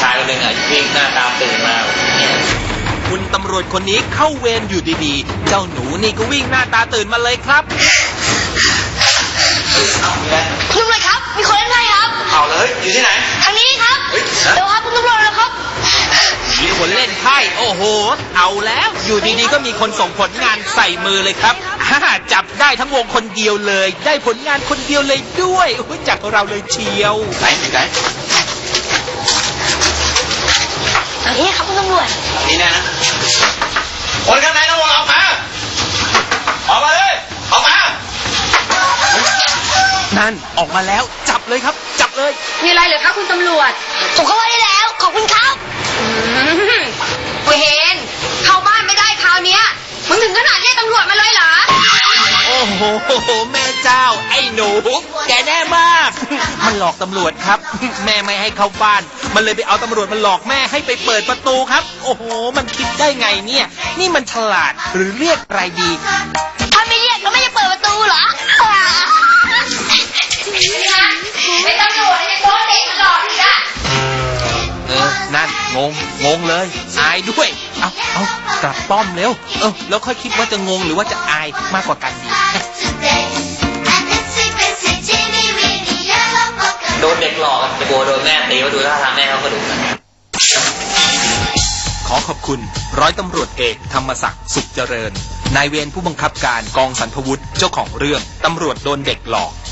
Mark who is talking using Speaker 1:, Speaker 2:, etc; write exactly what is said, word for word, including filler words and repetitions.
Speaker 1: ชายคนหนึ่งอ่ะวิ่งหน้าตาตื่นมาเนี่ย
Speaker 2: คุณตำรวจคนนี้เข้าเวรอยู่ดีๆเจ้าหนูนี่ก็วิ่งหน้าตาตื่นมาเลยครับ
Speaker 3: คุณตำรวจครับมีคนเล่นไพ่ครับ
Speaker 1: เอาเลยอยู่ที่ไหน
Speaker 3: ทางนี้ครับเดี๋ยวครับคุณตำรวจแล้วครับ
Speaker 2: มีคนเล่นไพ่โอ้โหเอาแล้วอยู่ดีๆก็มีคนส่งผลงานใส่มือเลยครับฮ่าจับได้ทั้งวงคนเดียวเลยได้ผลงานคนเดียวเลยด้วยจากเราเลยเชียว
Speaker 1: ไหนไหน
Speaker 3: ทางนี้ครับคุณตำรวจ
Speaker 1: นี่แน่นะคนข้างในต้องออกมาออกมาเลยออกมา
Speaker 2: นั่นออกมาแล้วจับเลยครับจับเลย
Speaker 3: มีอะไรเหรอครับคุณตำรวจผมเข้าบ้านได้แล้วขอบคุณครับเวนเข้าบ้านไม่ได้คราวเนี้ยมึงถึงขนาดเรียกตำรวจมาเลยเหรอ
Speaker 2: โอ้โหแม่เจ้าไอ้หนูแกแน่มากมันหลอกตำรวจครับแม่ไม่ให้เข้าบ้านมันเลยไปเอาตำรวจมาหลอกแม่ให้ไปเปิดประตูครับโอ้โหมันคิดได้ไงเนี่ยนี่มันฉลาดหรือเรียกอะไรดี
Speaker 3: ถ้าไม่เรียกก็ไม่จะเปิดประตูเหรอไอ้ตำรวจไอ้โป๊ะเด็กหลอกอีกอะ
Speaker 2: เออนั่นงงงงเลยอายด้วยเอาเอากลับป้อมเร็วเออแล้วค่อยคิดว่าจะงงหรือว่าจะอายมากกว่ากันดี
Speaker 1: โดนเด็กหลอกจะกลัวโดนแม่ตีว่าดูท่าทางแม่เขาก็ดุ
Speaker 2: ขอขอบคุณร้อยตำรวจเอกธรรมศักดิ์สุขเจริญนายเวรผู้บังคับการกองสรรพวุฒิเจ้าของเรื่องตำรวจโดนเด็กหลอก